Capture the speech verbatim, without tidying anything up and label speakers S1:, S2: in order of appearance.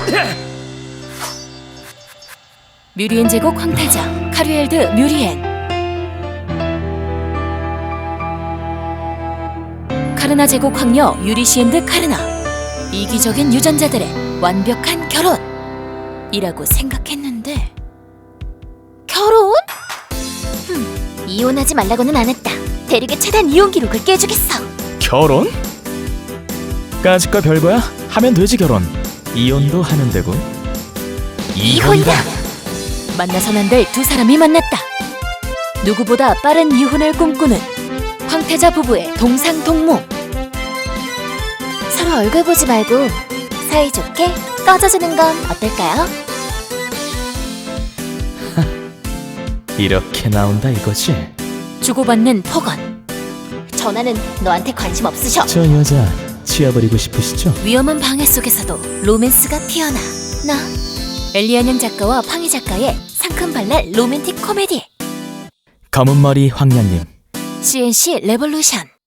S1: 뮤리엔 제국 황태자 카류엘드 뮤리엔. 카르나 제국 황녀 유리시엔드 카르나. 이기적인 유전자들의 완벽한 결혼이라고 생각했는데 결혼? 흠, 이혼하지 말라고는 안 했다. 대륙의 최단 이혼 기록을 깨주겠어.
S2: 결혼? 까짓 거 별거야? 하면 되지 결혼. 이혼도 하면 되고.
S1: 이혼이다. 만나선 안 될 두 사람이 만났다. 누구보다 빠른 이혼을 꿈꾸는 황태자 부부의 동상동무. 서로 얼굴 보지 말고 사이좋게 꺼져주는 건 어떨까요?
S2: 이렇게 나온다 이거지?
S1: 주고받는 폭언. 전화는 너한테 관심 없으셔.
S2: 저 여자 치워버리고 싶으시죠?
S1: 위험한 방해 속에서도 로맨스가 피어나. 나 엘리안영 작가와 팡이 작가의 상큼발랄 로맨틱 코미디
S2: 검은머리 황녀님.
S1: 씨엔씨 레볼루션.